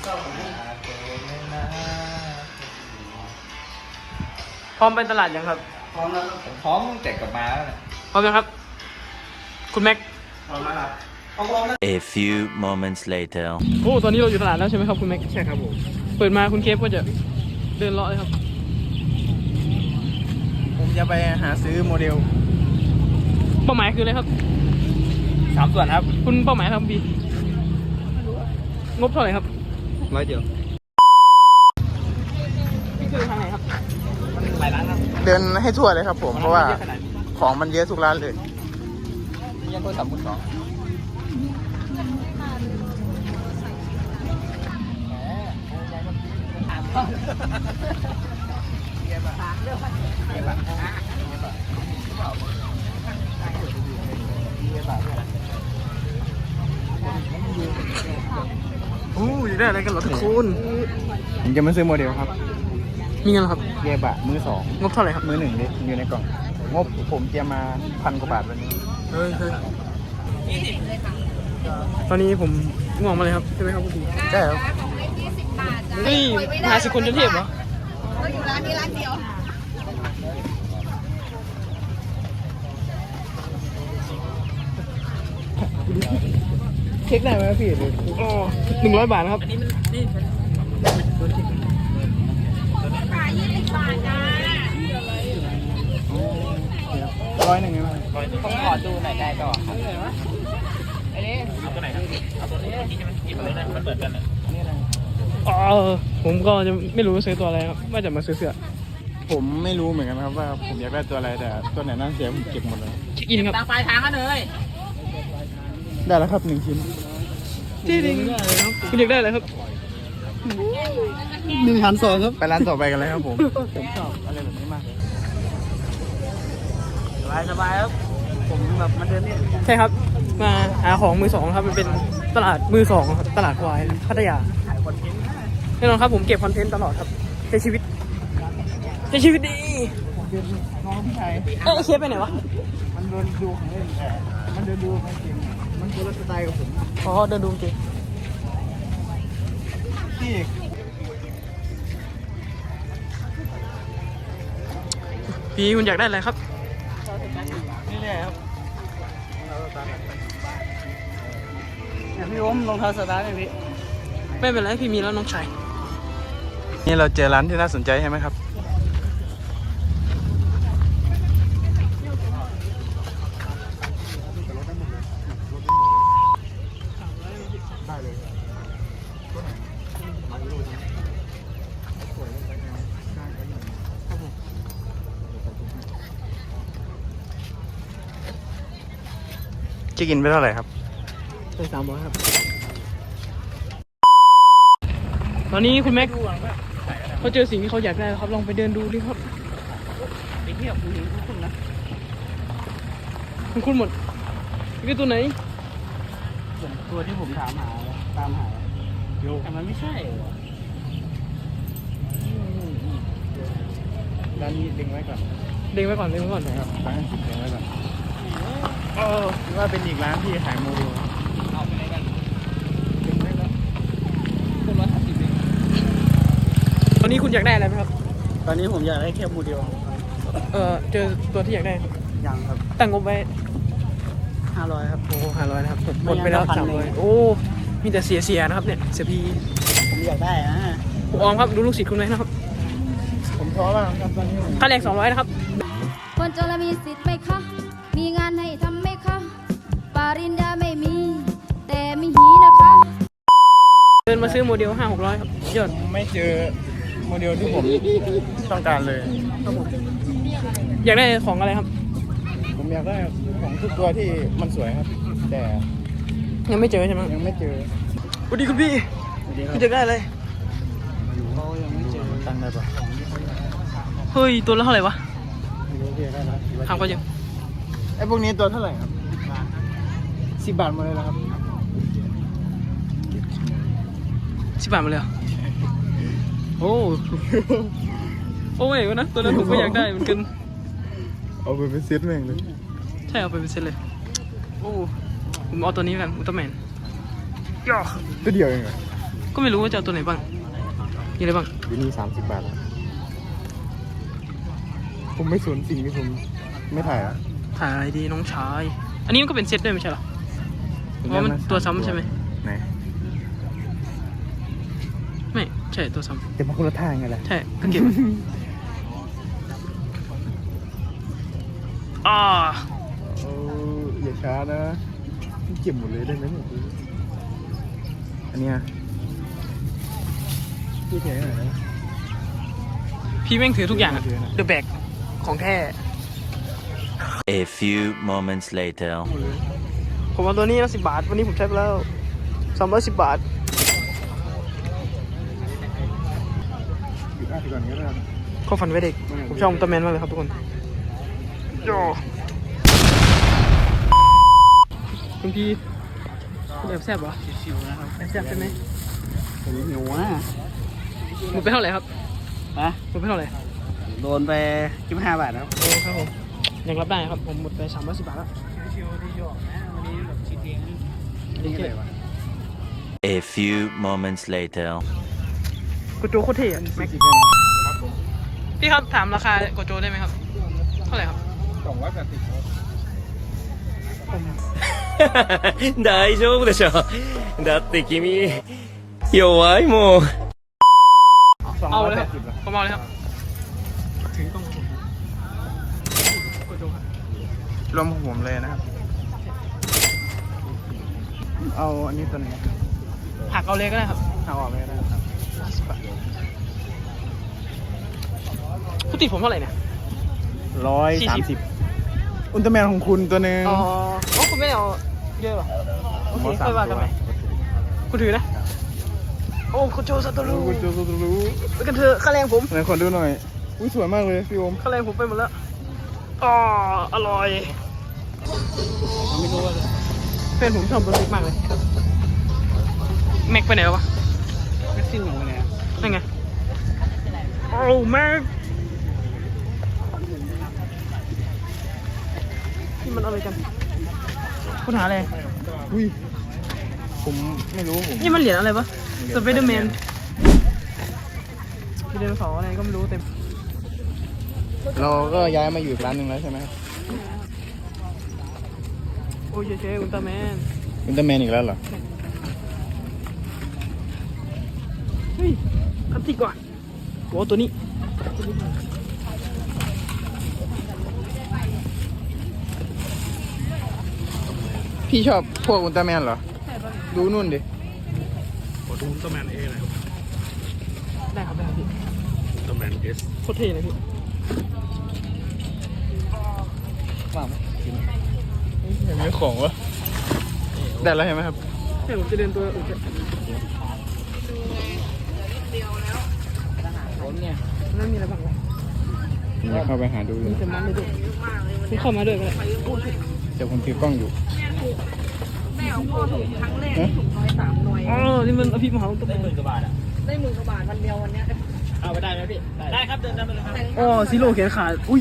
พร้อมไปตลาดยังครับพร้อมแล้วผมพร้อมตั้งแต่กลับมาแล้วพร้อมยังครับคุณแม็กพร้อมแล้วครับ A few moments later โอ้ตอนนี้เราอยู่ตลาดแล้วใช่ไหมครับคุณแม็กใช่ครับผมเปิดมาคุณเคฟก็จะเดินเลาะเลยครับผมจะไปหาซื้อโมเดลเป้าหมายคืออะไรครับ 3 ส่วนครับคุณเป้าหมายครับบีงบเท่าไหร่ครับ 100 เดียวนี่คือทางไหนครับหลายร้านครับเดินให้ทั่วเลยครับผมเพราะว่าของมันเยอะทุกร้านเลยมียังโทรศัพท์มือ 2 โอ้ยได้อะไรกันเหรอทุกคนผมจะมาซื้อโมเดลครับมีเงินเหรอครับเกียร์บะมือ 2 งบเท่าไหร่ครับมือ 1ดิอยู่ในกล่องงบผมเตรียมมา1,000 กว่าบาทวันนี้เฮ้ยตอนนี้ผมง่วงมาเลยครับใช่ไหมครับคุณบีใช่ครับนี่มหาสกุลเทพเหรอเราอยู่ร้านนี้ร้านเดียวเช็คได้ไหมพี่โอ้100 บาทครับขาย20 บาทจ้า 100ได้ไหมผมขอดูหน่อยได้ก่อนอันนี้เอาตัวไหนครับเอาตัวนี้ใช่ไหมหยิบมาเลยนะมันเหมือนกันอ่ะผมก็จะไม่รู้ซื้อตัวอะไรครับว่าจะมาซื้อเสื้อผมไม่รู้เหมือนกันครับว่าผมอยากได้ตัวอะไรแต่ตัวไหนน่าเสียผมเก็บหมดเลยเช็คอินครับตามปลายทางกันเลยได้แล้วครับ1 ชิ้นจริงคุณอยากได้อะไรครับ 1,200ครับไปร้านต่อไปกันเลยครับผมชอบอะไรแบบนี้มากสบายครับผมแบบมันเดินนี่ใช่ครับมาหาของมือ 2ครับมันเป็นตลาดมือ 2ครับตลาดควายพัทยาแน่นอนครับผมเก็บคอนเทนต์ตลอดครับใช้ชีวิตดีน้องพี่ชายเคฟไปไหนวะมันเดินดูของเล่นแต่มันเดินดูของจริงมันคนละสไตล์กับผมเดินดูจริงพี่คุณอยากได้อะไรครับนี่แหละครับพี่ผมรองเท้าสตาร์ทไหมพี่ไม่เป็นไรพี่มีแล้วน้องชายนี่เราเจอร้านที่น่าสนใจใช่ไหมครับจะกินไปเท่าไหร่ครับไป300ครับตอนนี้คุณแม็กเขาเจอสิ่งที่เขาอยากได้ครับลองไปเดินดูดิครับไปเที่ยวคุณเห็นคุณนะคุณหมดนี่ตัวไหนตัวที่ผมตามหาแต่มันไม่ใช่หรอร้านนี้ดึงไว้ก่อนนะครับร้านดึงไว้ก่อนว่าเป็นอีกร้านที่ขายโมเดลเอาไปไหนกันดึงไว้แล้วคน150 เองตอนนี้คุณอยากได้อะไรไหมครับตอนนี้ผมอยากได้แค่โมเดลเจอตัวที่อยากได้ยังครับตั้งงบไว้ 500ครับโอ้500นะครับหมดไปแล้ว300โอ้มีแต่เสียนะครับเนี่ยเสียพีผมอยากได้นะผมออมครับดูลูกศิษย์คุณไหมนะครับผมท้อมากครับตอนนี้ค่าแรง200นะครับคนจนมีสิทธิ์ไหมคะมีงานให้ทำไหมคะปริญญาไม่มีแต่มีหีนะคะเดินมาซื้อโมเดล500-600ครับยอดไม่เจอโมเดลที่ผมต้องการเลยครับผมอยากได้ของอะไรครับผมอยากได้ของทุกตัวที่มันสวยครับแต่ยังไม่เจอใช่ไหมยังไม่เจอสวัสดีคุณพี่คุณอยากได้อะไรเขายังไม่เจอตั้งได้ปะเฮ้ยตัวละเท่าไหร่วะไม่รู้พี่ได้แล้วถามเขายังไอ้พวกนี้ตัวเท่าไหร่ครับ10 บาทหมดเลยนะครับ 10 บาทหมดเลยโอ้ยนะตัวนั้นผมก็อยากได้เหมือนกันเอาไปเป็นเซตแม่งเลยใช่เอาไปเป็นเซตเลยผมเอาตัวนี้กันอุลตร้าแมนย่อตัวเดียวเองเหรอก็ไม่รู้ว่าจะเอาตัวไหนบ้างมีอะไรบ้างอยู่นี่30 บาทแล้วผมไม่สนสิ่งที่ผมไม่ถ่ายอ่ะถ่ายดีน้องชาย อันนี้มันก็เป็นเซตด้วยไม่ใช่เหรอเพราะมันตัวซ้ำใช่ไหมไหนไม่ใช่ตัวซ้แต่มาคนละทางไงล่ะำใช่ก็เก็บอ่าอย่าช้านะเก็บหมดเลยได้ไหมเนี่ยอันเนี้ยพี่แข็งหน่อยนะพี่แม่งถือทุกอย่างอะเดอะแบกของแท้ A few moments later. ผมเอาตัวนี้นะ10 บาท วันนี้ผมใช้ไปแล้ว310 บาทหยุดอ่านก่อนก็ได้ข้อฝันไว้เด็ก ผมชอบอุลตร้าแมนมากเลยครับทุกคนโย่คุณพี่คุณแอบแซ่บเหรอชิวๆนะครับแอบแซ่บใช่ไหมผมหิวอ่ะหมดไปเท่าไหร่ครับฮะหมดไปเท่าไหร่โดนไป25 บาทครับโอ้ครับผมยังรับได้ครับ ผมหมดไป310 บาทแล้วชิวๆที่หยอกนะวันนี้แบบชิดเองดีเจ A few moments later. กูโจโคตรเท่อะแม็กพี่ครับถามราคาโกโจได้ไหมครับ เท่าไหร่ครับ大丈夫でしょ。だって君、弱いもん。 เอาเลยครับผมเอาเลยครับ ถึงต้องโกโจครับรวมของผมเลยนะครับ เอาอันนี้ตัวไหนหักเอาเลยก็ได้ครับเอาออกเลยก็ได้ครับ 10 บาทผู้ติดผมเท่าไหร่เนี่ย 130อุลตร้าแมนของคุณตัวหนึ่งอ๋ออ๋อคุณไม่ได้เอาเยอะป่ะโอเคค่อยว่ากันใหม่คุณถือนะ โอ้โกโจซาโตรุคุณจะรู้ไปกันเถอะค่าแรงผมไหนขอดูหน่อย อุ้ยสวยมากเลยพี่โอมค่าแรงผมไปหมดแล้วอ๋ออร่อยไม่รู้ว่าเพื่อนผมชอบรถบิ๊กมากเลยแม็กไปไหนแล้ววะแม็กซิ่งของมันเนี่ยนั่นไงโอ้แม็กนี่มันอะไรกันคุณหาอะไรอุ้ยผมไม่รู้ผมนี่มันเหรียญอะไรปะสไปเดอร์แมนมีไดโนเสาร์อะไรก็ไม่รู้เต็มเราก็ย้ายมาอยู่อีกร้านหนึ่งแล้วใช่ไหมครับโอ้ยเจ๊อุลตร้าแมนอุลตร้าแมนอีกแล้วเหรอเฮ้ยคัตติก่อนโอ้ตัวนี้พี่ชอบพวกอุลตร้าแมนเหรอ ดูนู่นดิได้ครับได้ครับพี่อุลตร้าแมนเอสโคตรเท่เลยพี่ยังมีของวะได้แล้วใช่ไหมครับให้ผมจะเดินตัวอื่นจะผมเนี่ยนั่นมีอะไรบ้างวะผมจะเข้าไปหาดูอยู่มีแต่มันเลยด้วยคุณเข้ามาด้วยก็ได้เดี๋ยวผมถือกล้องอยู่อ๋อนี่มันอภิมหาอุลตร้าแมน 10,000 กว่าบาทอ่ะได้10,000 กว่าบาทวันเดียววันเนี้ยเอาไปได้ไหมพี่ ได้ครับเดินไปเลยครับอ๋อซีโร่แขนขาดอุ้ย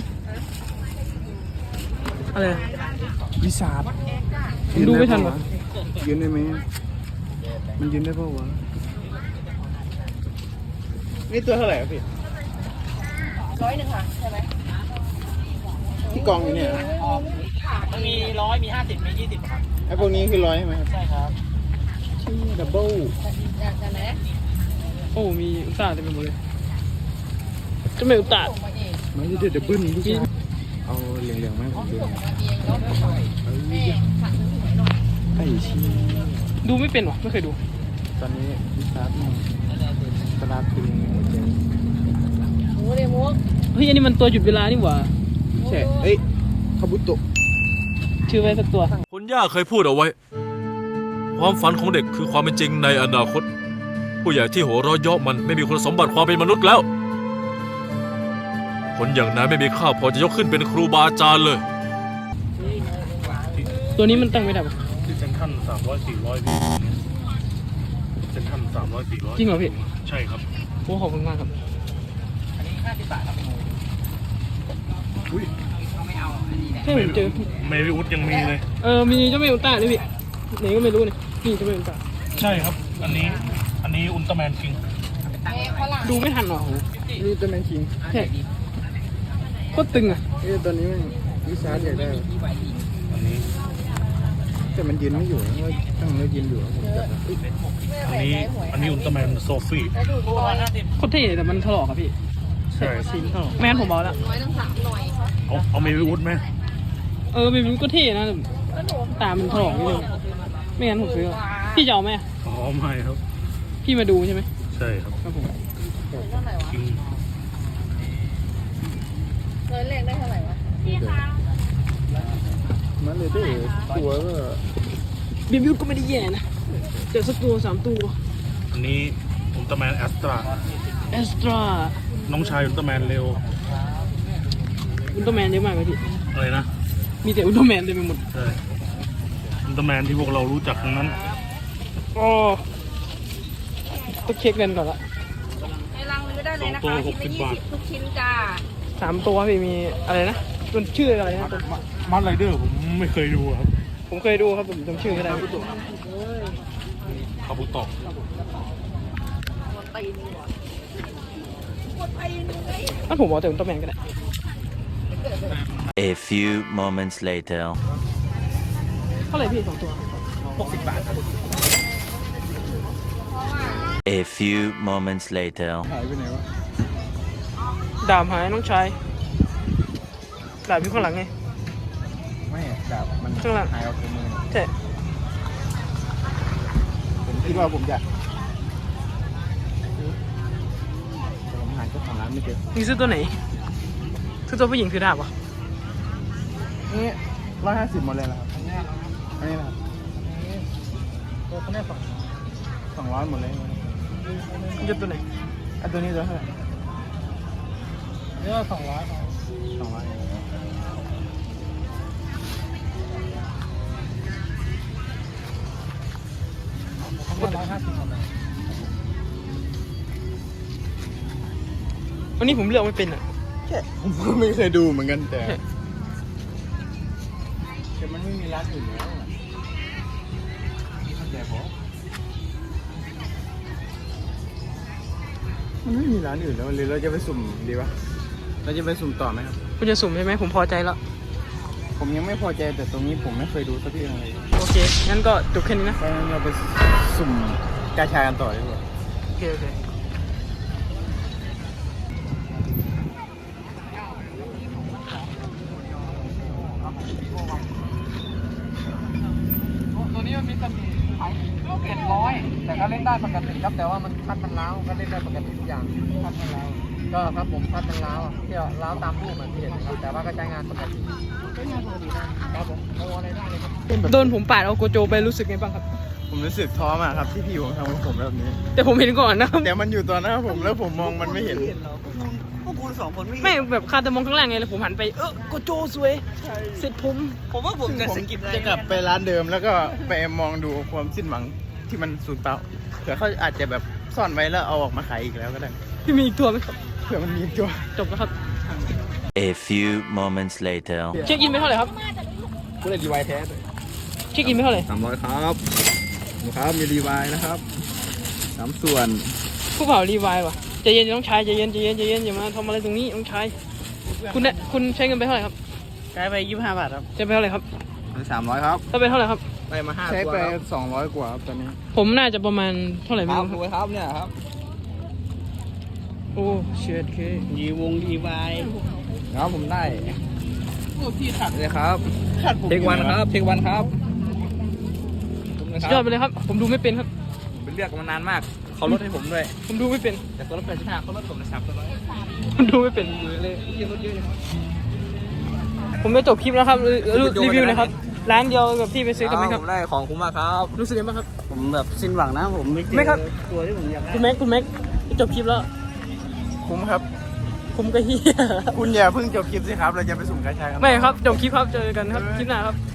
อะไรวิสาดผมดูไม่ทันวะยืนได้ไหมมันยืนได้ป่าวะนี่ตัวเท่าไหร่ครับพี่100 ค่ะใช่ไหมที่กองอยู่เนี่ยมันมี100 มี 50 มี 20 ครับไอ้พวกนี้คือ100ใช่ไหมครับใช่ครับที่ดับเบิลโอ้มีอุลตร้าเต็มไปหมดเลยจะไม่อุลตร้ามันจะดับเบิลทุกอย่างเอาเหลืองๆไหมผมดูไอ้ชี้ดูไม่เป็นวะไม่เคยดูตอนนี้วิสาดตลาดตึงหัวใจเฮ้ยอันนี้มันตัวหยุดเวลานี่หว่าใช่เอ้ยคาบุโตะชื่อไว้สักตัวคุณย่าเคยพูดเอาไว้ ความฝันของเด็กคือความเป็นจริงในอนาคต ผู้ใหญ่ที่หัวเราะเยาะมันไม่มีคุณสมบัติความเป็นมนุษย์แล้ว คนอย่างนั้นไม่มีค่าพอจะยกขึ้นเป็นครูบาอาจารย์เลยตัวนี้มันตั้งไม่ได้ปะที่เซ็นทรัล300-400พี่เซ็นทรัล300-400 จริงเหรอพี่ใช่ครับโอ้ขอบคุณมากครับอันนี้50 บาทครับอุ้ยให้ผมเจอเมวิอุสยังมีเลยมีเจ้าแม่อุลตร้าด้วยพี่ไหนก็ไม่รู้เนี่ยนี่เจ้าแม่อุลตร้าใช่ครับ อันนี้อันนี้อุลตร้าแมนคิงดูไม่ทันหรอโหนี่ตัวแมนคิงแค่โคตรตึงอ่ะตัวนี้มันวิชาร์ดอยากได้อันนี้แต่มันยืนไม่อยู่นะว่าตั้งแล้วยืนอยู่ผมจับอันนี้อุลตร้าแมนโซฟี่โคตรเท่แต่มันถลอกอะพี่ใช่ซีนถลอกไม่งั้นผมบอกแล้วเอาเมวิวุฒไหมเออเป็นก็เท่นะแต่ตามันถลอกนิดนึงไม่งั้นผมซื้ออะพี่จะเอาไหมอะอ๋อไม่ครับพี่มาดูใช่ไหมใช่ครับครับผมคิงมันเลยได้ตัวก็บิบิวก็ไม่ได้แย่นะเจอสักตัว3 ตัวอันนี้อุลตร้าแมนแอสตราเอสตราน้องชายอุลตร้าแมนเร็วอุลตร้าแมนเยอะมากเลยพี่อะไรนะมีแต่อุลตร้าแมนเต็มไปหมดใช่อุลตร้าแมนที่พวกเรารู้จักทั้งนั้นอ๋อต้องเช็คกันก่อนละในรังซื้อได้เลยนะสองคะตัวชิ้นละ 60 บาท 20ทุกชิ้นจ้า 3 ตัวพี่มีอะไรนะมันชื่ออะไรนะตัวมาร์ไรเดอร์ผมไม่เคยดูครับผมเคยดูครับผมจำชื่อไม่ได้คาบุโตะถ้าผมบอกแต่อุลตร้าแมนก็ได้ A few moments later. เท่าไหร่พี่2 ตัว 60 บาทครับ A few moments later. หายไปไหนวะดาบหายน้องชายดาบอยู่ข้างหลังไงไม่ดาบมันข้างหลังหายออกจากมือใช่ผมคิดว่าผมจะผมหาเจ้าของร้านไม่เจอมึงซื้อตัวไหนซื้อตัวผู้หญิงซื้อดาบวะนี่150หมดเลยเหรอครับอันนี้นะครับตัวนี้200หมดเลยมึงจะตัวไหนอันตัวนี้ตัวเท่าไหร่เนี่ย200 200 วันนี้ผมเลือกไม่เป็นอ่ะผมก็ไม่เคยดูเหมือนกันแต่มันไม่มีร้านอื่นแล้วอะแต่พอมันไม่มีร้านอื่นแล้วหรือเราจะไปสุ่มดีปะเราจะไปสุ่มต่อไหมครับคุณจะสุ่มใช่ไหมผมพอใจแล้วผมยังไม่พอใจแต่ตรงนี้ผมไม่เคยดูสักทีเลยโอเค งั้นก็จบแค่นี้นะเพราะฉะนั้นเราไปสุ่มกาชากันต่อดีกว่าโอเค โอเค ตัวนี้มันมีตำหนิ700แต่ก็เล่นได้ปกติครับแต่ว่ามันพัดมันล้าวก็เล่นได้ปกติทุกอย่างพัดมันล้าวก็ครับผมพัดมันล้าวเที่ยวล้าวตามรูปเหมือนที่เห็นนะครับแต่ว่าก็ใช้งานปกติใช้งานปกตินะครับผมโมอะไรได้เลยครับโดนผมปาดเอาโกโจไปรู้สึกไงบ้างครับผมรู้สึกท้อมากครับที่พี่ผมทำกับผมแบบนี้แต่ผมเห็นก่อนนะครับแต่มันอยู่ตอนหน้าผมแล้วผมมองมันไม่เห็นไม่แบบคาตามองข้างล่างไงแล้วผมหันไปโกโจสวยเสร็จผมว่าผมจะสกิปได้จะกลับไปร้านเดิมแล้วก็ไปมองดูความสิ้นหวังที่มันสูญเปล่าเผื่อเขาอาจจะแบบซ่อนไว้แล้วเอาออกมาขายอีกแล้วก็ได้พี่มีอีกตัวไหมครับเผื่อมันมีตัวจบแล้วครับ A few moments later. เช็คอินไปเท่าไหร่ครับกูเลยรีไวแท้เช็คอินไปเท่าไหร่ 300ครับครับมีรีไวนะครับ3ส่วนผู้เผารีไวล์ว่ะใจเย็นต้องใช้ใจเย็นอย่ามาทำอะไรตรงนี้ต้องใช้คุณใช้เงินไปเท่าไหร่ครับใช้ไป25 บาทครับใช้ไปเท่าไหร่ครับ 300ครับถ้าไปเท่าไหร่ครับได้มา5 ใช้ตัวไปครับ 200กว่าครับตอนนี้ผมน่าจะประมาณเท่าไหร่ไม่ครับรู้ดูครับเนี่ยครับโอ้เชียดเคยีวงยีวายครับผมได้โอ้พี่ขัดเลยครับเทควันครับเทควันครับสุดยอดไปเลยครับ ผมดูไม่เป็นครับเป็นเลือกมานานมากเขาลดให้ผมด้วยผมดูไม่เป็นแต่ตัวละ85เขาลดผมนะ300 ผมดูไม่เป็นเลยผมจะจบคลิปแล้วครับรีวิวนะครับร้านเดียวกับที่ไปซื้อกันไหมครับผมได้ของคุ้มมากครับรู้สึกยังไงบ้างครับผมแบบสิ้นหวังนะผมไม่เจอไม่ครับตัวที่ผมอยากได้คุณแม็กจะจบคลิปแล้วคุ้มครับผมก็เฮียคุณอย่าเพิ่งจบคลิปสิครับ เราจะไปสุ่มกาชากันไม่ครับจบคลิปครับเจอกันครับคลิปหน้าครับ